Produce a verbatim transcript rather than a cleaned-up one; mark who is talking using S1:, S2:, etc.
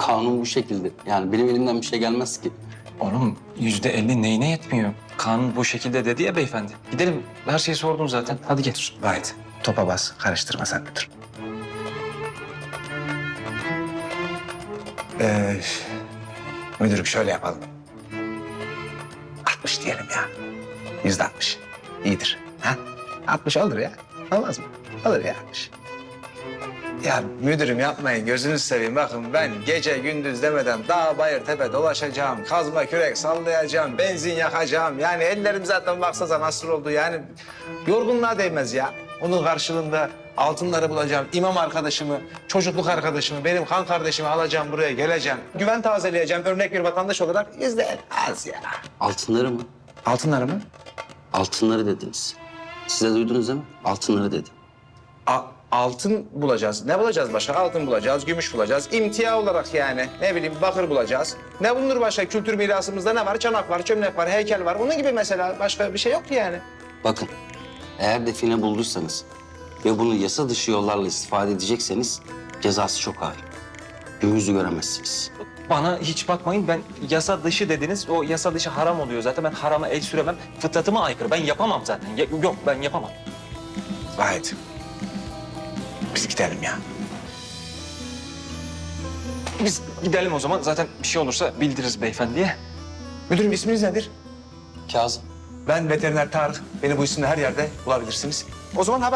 S1: Kanun bu şekilde. Yani benim elimden bir şey gelmez ki.
S2: Oğlum yüzde elli neyine yetmiyor? Kanun bu şekilde dedi ya beyefendi. Gidelim. Her şeyi sordum zaten. Hadi gel.
S3: Vahit, topa bas, karıştırma sen müdür. Ee, müdürüm şöyle yapalım. altmış diyelim ya. Yüzde altmış. İyidir. Ha? altmış olur ya. Olmaz mı? Olur ya altmış. Ya müdürüm yapmayın, gözünüzü seveyim. Bakın ben gece gündüz demeden dağ bayır tepe dolaşacağım. Kazma kürek sallayacağım, benzin yakacağım. Yani ellerim zaten baksanıza nasıl oldu yani. Yorgunluğa değmez ya. Onun karşılığında altınları bulacağım. İmam arkadaşımı, çocukluk arkadaşımı, benim kan kardeşimi alacağım buraya geleceğim. Güven tazeleyeceğim örnek bir vatandaş olarak. Yüzde az ya.
S1: Altınları mı?
S3: Altınları mı?
S1: Altınları dediniz. Siz de duydunuz değil mi? Altınları dedi.
S3: A- altın bulacağız. Ne bulacağız başka? Altın bulacağız, gümüş bulacağız. İmtia olarak yani. Ne bileyim bakır bulacağız. Ne bulunur başka? Kültür mirasımızda ne var? Çanak var, çömlek var, heykel var. Onun gibi mesela başka bir şey yok ki yani.
S1: Bakın, eğer define bulduysanız ve bunu yasa dışı yollarla istifade edecekseniz cezası çok ağır. Gün yüzü göremezsiniz.
S2: Bana hiç bakmayın. Ben yasa dışı dediniz. O yasa dışı haram oluyor zaten. Ben harama el süremem. Fıtratıma aykırı. Ben yapamam zaten. Ya- yok ben yapamam.
S3: Vahit. Biz gidelim ya.
S2: Biz gidelim o zaman. Zaten bir şey olursa bildiririz beyefendiye.
S3: Müdürüm isminiz nedir?
S1: Kazım.
S3: Ben veteriner Tarık. Beni bu isimle her yerde bulabilirsiniz. O zaman haber